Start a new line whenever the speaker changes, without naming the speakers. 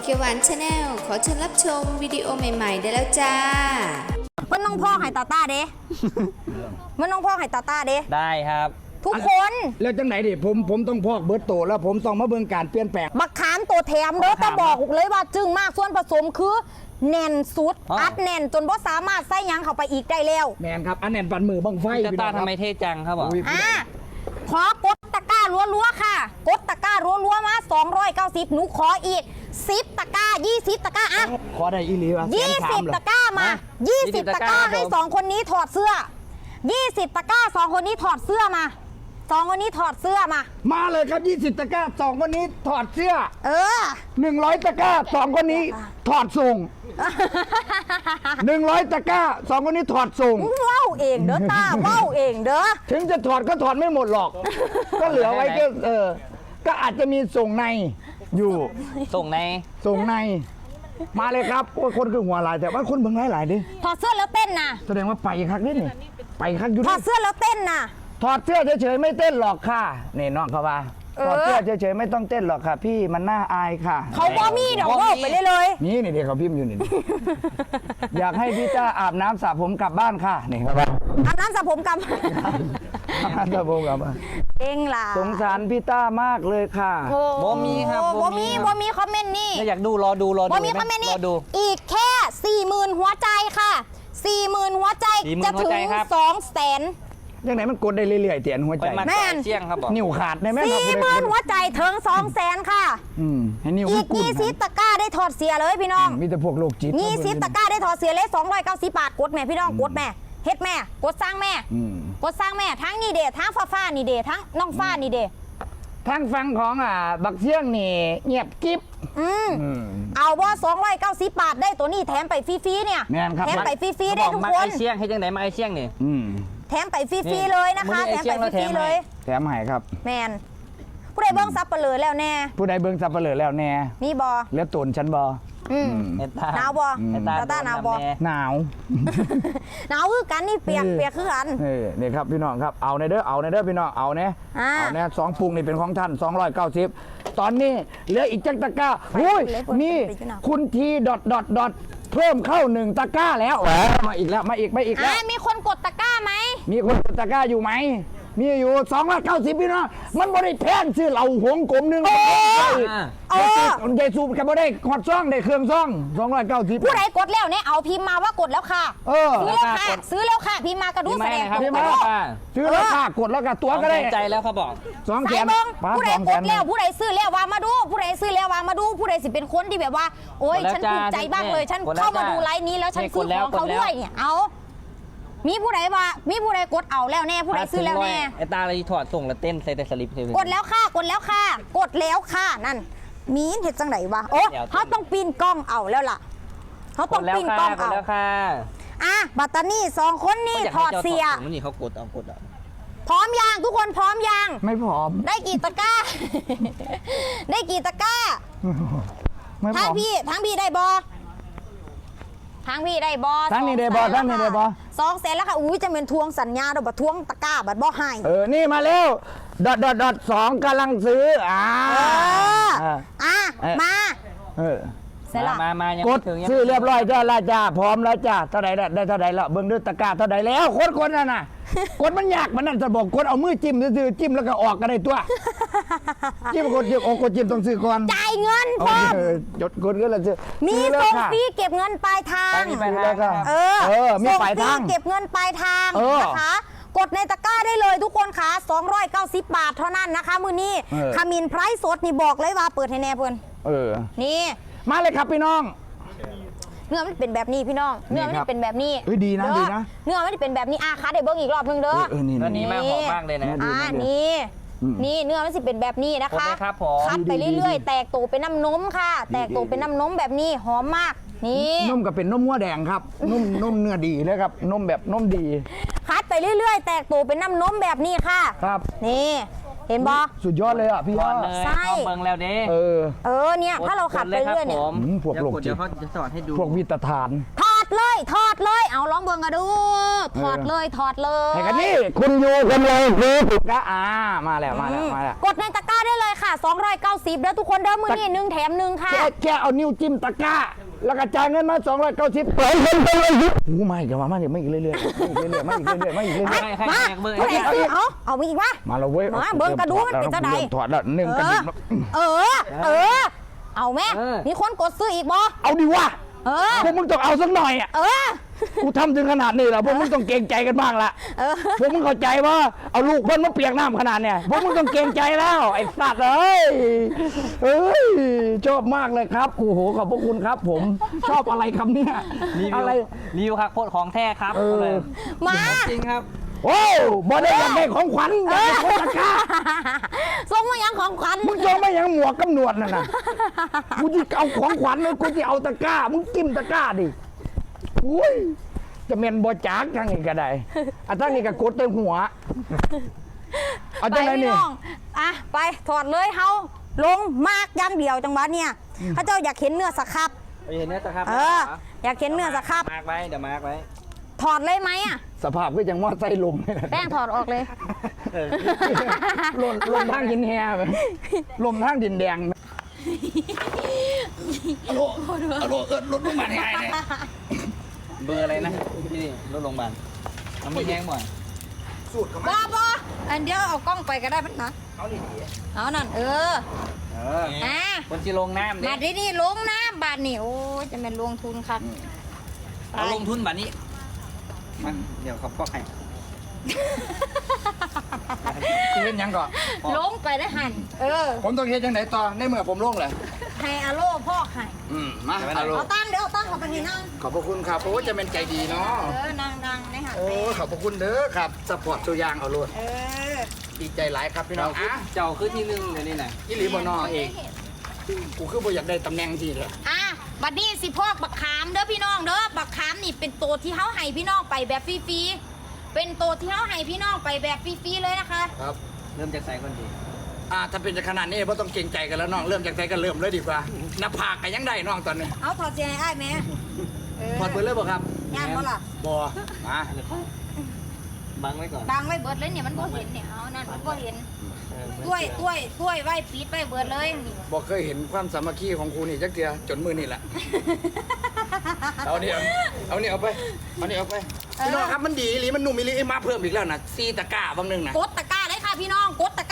เขียวหวานชาแนลขอเชิญรับชมวิดีโอใหม่ๆได้แล้วจ้า
มันน้องพ่อไห่ตาตาเด้มันน้องพ่อไห่ตาตาเด้
ได้ครับ
ทุกคน
แล้วจังไหนดิผมต้องพอกเบิร์ตโตแล้วผมต้องมาเบิ่งการเปลี่ยนแปลง
บักขามตัวแถมเด้อแต่บอกเลยว่าจึงมากส่วนผสมคือแน่นสุดอัดแน่นจนบ่สามารถใส่ยังเข้าไปอีกได้แล้ว
แมนครับอันแน่นปันมือบังไฟ
จะตาทำไมเท่จังครับ
ขอกดตะกร้ารัวๆค่ะกดตะกร้ารัวๆมา290หนูขออีก10ตะกร้า20ตะกร้าอ่ะ
ขอได้อีหลีวะ
20ตะกร้ามา20ตะกร้าให้2คนนี้ถอดเสื้อ20ตะกร้า2คนนี้ถอดเสื้อมา2คนนี้ถอดเสื้อมา
เลยครับ20ตะกร้า2คนนี้ถอดเสื้อ100ตะกร้า2คนนี้ถอดส่ง100ตะกร้า2คนนี้ถอดส่ง
ว้าวเองเด้อตาว้าวเองเด้อ
ถึงจะถอดก็ถอดไม่หมดหรอกก็เหลือไว้ก็ก็อาจจะมีส่งในอยู่
ส่งใน
มาเลยครับโอ้ยคนคือหัวลายแต่ว่าคนเบิ่งหลายดิ
ถอดเสื้อแล้วเต้นนะ
แสดงว่าไปคักนี่ไปคักอยู่
ถอดเสื้อแล้วเต้นนะ
ถอดเสื้อเฉยๆไม่เต้นหรอกค่ะนี่น้องเขาว่าถอดเสื้อเฉยๆไม่ต้องเต้นหรอกค่ะพี่มันน่าอายค่ะ
เขาบ่มีดอกว่าไปเลย
นี่เดี๋ยวเขาพิมพ์อยู่นี่ อยากให้พี่จ้าอาบน้ำสระผมกลับบ้านค่ะนี่ครับ
อาบน้ำสระผมกลับ
อาบน้ำสระผมกลับบ้าน
เองล่ะ
สงสารพี่ต้ามากเลยค่ะ
บ่มีครับ
บ่มีคอมเมนต์นี่
อยากดูรอดู
บ่มีคอมเมนต์นี่อีกแค่ 40,000 หัวใจค่ะ 40,000 หัวใจจะถึง 200,000
ยังไงมันกดได้เรื่อยๆเตียนหัวใจ
แม่นเชี่ยงครับบอก
นิ้วขาดในแม่
40,000 หัวใจถึง 200,000ค่ะ
ให้นิ้ว
อีก20ตะกร้าได้ถอดเสียเลยพี่น้อง
มีแต่พวกโรคจิต
20ตะกร้าได้ถอดเสียเลย290 บาทกดแม่พี่น้องกดแม่เฮ็ดแม่กดสร้างแม่กดสร้างแม่ทั้งนี่เดทั้งฟ้านี่เดทั้งน้องฟ้านี่เด
ทั้งฟังของบักเชี่ยงนี่เงียบกิ๊บ
เอาว่า290 บาทได้ตัวนี้แถมไปฟรีๆเนี่ยแถมไปฟรีๆได้ทุกคน
ไอเชี่ยงให้จังไหนมาไอเชี่ยงนี่
แถมไปฟรีๆเลยนะคะแถมไปฟรีๆเลย
แถมให้ครับ
แมนผู้ใดเบิ้งซับเปลือแล้วแน่
ผู้ใดเบิ้งซับเปลือแล้วแน่
นี่บอ
เลือดตูนฉันบอ
หนาวบอตาหนาวบอ
หนาว
คือกันนี่เปียกคือกัน
นี่ครับพี่น้องครับเอาในเด้อพี่น้องเอาเนี่ย2ปุงนี่เป็นของท่าน290ตอนนี้เหลืออีกจักตะกร้านี่คุณทีดอทเพิ่มเข้า1ตะกร้าแล้วมาอีกแล้ว
มีคนกดตะกร้าไหม
มีคนกดตะกร้าอยู่ไหมมีอยู่290พี่น้องมันบ่ได้แพงซื้อเหล่าหงกลมนึงใหญ่สูบกับบ่ได้ขอดซ่องได้เครื่องซ่อง290
ผู้ใดกดแล้วเนี่ยเอาพิมพ์มาว่ากดแล้วค่ะซื้อแล้วค่ะพิมพ์มากระดูแสดง
พิมพ์มาซื้อแล้วค่ะกดแล้วกับตัวก็ได้
ใจแล้วเขาบอก
2แสน
ผู้ใดกดแล้วผู้ใดซื้อแล้ววางมาดูผู้ใดซื้อแล้ววางมาดูผู้ใดสิเป็นคนที่แบบว่าโอ๊ยฉันภูมิใจบ้างเลยฉันเข้ามาดูไลฟ์นี้แล้วฉันซื้อของเขาด้วยเนี่ยเอามีผู้ใดกดเอาแล้วแน่ผู้ใดซื้อแล้วแน่
ไอตาเลยถอดส่งแล้วเต้นใส่แต่สลิป
กดแล้วค่ะนั่นมีเห็ดจังไหนวะโอ้เขาต้องปีนกล้องเอาแล้วล่ะเขาต้องปีนกล้องเอา
แล้วค่ะ
บัตตานี่2คนนี่ถอดเสีย
นี่เขากด
พร้อมยังทุกคนพร้อมยัง
ไม่พร้อม
ได้กี่ตะกร้าทั้งพี่ได้บอทั้งพี่ได้บอ
ทั้งนี้ได้บอ
200,000แล้วค่ะอุ้ยจะเป็นทวงสัญญาดอกบัตทวงตะกร้าบัตบอให้
นี่มาเร็ว2กำลังซื้อ
มา
กดซื้อเรียบร้อยจ้าพร้อมแล้วจ้าเท่าไหร่ได้เท่าไหร่แล้วเบิ่งด้วยตะกร้าเท่าไหร่แล้วคนนั่นน่ะกดมันยากมันนั่นจะบอกกดเอามือจิ้มซื้อจิ้มแล้วก็ออกก็ได้ตัวจิ้มกดจิ้มต้องซื้อก่อน
จ่ายเงินพร้อม
จดกดก็แล้วซื้อ
มีส่งฟรีเก็บเงินปลายทาง
มีปลายทาง
เก็บเงินปลายทางนะคะกดในตะกร้าได้เลยทุกคนค่ะ290 บาทเท่านั้นนะคะมื้อนี้ขมิ้นไพรสดนี่บอกเลยว่าเปิดให้แน่เพิ่นนี่
มาเลยครับพี่น้อง
เนื้อมันเป็นแบบนี้พี่น้องเนื้อมันเป็นแบบนี้
ดีนะ
เนื้อมันเป็นแบบนี้ค่ะได้เบิ้งอีกรอบนึงเด้อ
นี่มากหอมมากเลยนะ
นี่เนื้อมันสิเป็นแบบนี้นะคะคัดไปเรื่อยๆแตกตัวเป็นน้ำนมค่ะแตกตัวเป็นน้ำนมแบบนี้หอมมากนี่
นมก็เป็นนมวัวแดงครับนมเนื้อดีเลยครับนมแบบนมดี
คัดไปเรื่อยๆแตกตัวเป็นน้ำนมแบบนี้ค่ะ
ครับ
นี่เห็นบอ
สุดยอดเลยอ่ะพี่
ใช่
เบิ่งแล้วเด้
เนี่ยถ้าเราขัดไปเรื่อยเนี่ย
พวกโลกจิต
เดี๋ยวเขาจะสอนให้ดู
พวกวิตฐาน
ถอดเลยเอาลองเบิ่งกันดูถอดเลย
ให้กันนี่คุณอยู่กันเลยคือถูกกะมาแล้ว
กดในตะกร้าได้เลยค่ะ290เด้อทุกคนเด้อมื้อนี้1แถม1ค่ะ
แค่เอานิ้วจิ้มตะกร้าแล้วก็จ่ายเงินมา290เปิดเงินไปเลยไม่อีกมาอีกเรื่อยๆมาอีกเรื่อย
ให้
มา ผู้ใดซื้อเอามีอีกวะ
มาแล้วเว้ย
มาเบิ่งกระดูมันเป็นจังได๋
ถอดแล้วนึ่งกระดิ่ง
เอาแม่มีคนกดซื้ออีกบ่
เอาดิวะพวกมึงต้องเอาสักหน่อยอ่ะกูทำถึงขนาดนี้แล้วพวกมึงต้องเกรงใจกันบ้างละพวกมึงเข้าใจว่าเอาลูกเพิ่นมาเปียกน้ำขนาดเนี่ยพวกมึงต้องเกรงใจแล้วไอ้สัตว์เอ้ยชอบมากเลยครับโอ้โหขอบพระคุณครับ ผมชอบอะไรคำเนี้ย
อะไรรีวิวครับโคตรของแท้ครับ
มา
จริงครับ
โอ้บ่ได้อยากได้ของขวัญอยากได้ของตะกร้า
ส่งมายังของขวัญ
มึงส่งมายังหมวกกำหนวดน่ะนะกูจะเอาของขวัญเลยกูจะเอาตะกร้ามึงจิ้มตะกร้าดิอุ้ยจะเมนบอจากทางนี้ก็ได้ทางนี้ก็กดเต็มหัวเอาจังไรนี่
ไปถอดเลยเฮาลงมากอย่างเดียวจังหวะเนี่ยพระเจ้าอยากเห็นเนื้อสครับ
เห็นเนื้อตะครับ
อยากเห็นเนื้อสครับ
มาร์กไว้เดี๋ยวมาร์กไว้
ถอดเลยไหมอ่ะ
สภาพก็ยังมอดไส้ลมนี่แหละ
แป้งถอดออกเลย
ลมทางหินแฮไหมลมทางดินแดงรถลงมาแฮเนี่ย
เบอร์อะไรนะนี่รถโรงพยาบาลมันไม่แห้งบ่อย
สูตรเขาไหม
บ่อันเดียวเอากล้องไปก็ได้มันนะเอานั่น
คนที่ลงน้ำ
มาที่นี่ลงน้ำบาทนี่โอ้จะเป็นลงทุนครับ
เอาลงทุนแบบนี้มันเดี๋ยวเขาก็ให้
เล่นยังก่อน
ลงไปได้หัน
ผมต้องเฮ็ดยังไหนต่อในเมื่อผมลงเลย
ให้อาโลพ่อให้
มาเอา
เอาตั้งเดี๋ยวเอาตั้งเข้าไปนี่นั่ง
ขอบพระคุณครับโอ้จะเป็นใจดีเนาะ
นั่งนี่ค่ะ
โอ้ขอบพระคุณเด้อครับสปอร์ตตัวยางเอาโลดดีใจหลายครับพี่น้อง
เจ้าคือที่หนึ่งเดี๋ยวนี้นะ
อีหลีบ่นอเองกูคือบ่อยากได้ตำแหน่งที่เลย
บัดนี้สิพอกบักขามเด้อพี่น้องเด้อบักขามนี่เป็นตัวที่เฮาให้พี่น้องไปแบบฟรีๆเป็นตัวที่เฮาให้พี่น้องไปแบบฟรีๆเลยนะคะ
ครับ
เริ่มจากใส่ก่อนดี
ถ้าเป็นขนาดนี้บ่ต้องเกรงใจกันแล้วน้องเริ่มจากใจกันเริ่มเลยดีกว่าหน้าผากกันยังได้น้องตอนนี้
เอาถอดเสียงให้อ้ายแม่
ถอดเบิดเลยบ่ครับ
ย่านบ่ล่ะ
บ่มา
บังไว้ก่อน
บังไว้เบิดเลยเนี่ยมันบ่เห็นเนี่ยเอานั่นมันบ่เห็นถ้วยไว้ปิดไว้เบิดเลยนี่
บ่เคยเห็นความสามัคคีของครูนี่จักเทื่อจนมื้อนี่แหละ เอานี่เอาไปพี่น้องครับมันดีอีหลีมันนุ่มอีหลีมาเพิ่มอีกแล้วนะ4ตะกร้าบางนึงนะ
กดตะกร้าเลยค่ะพี่น้องกดตะ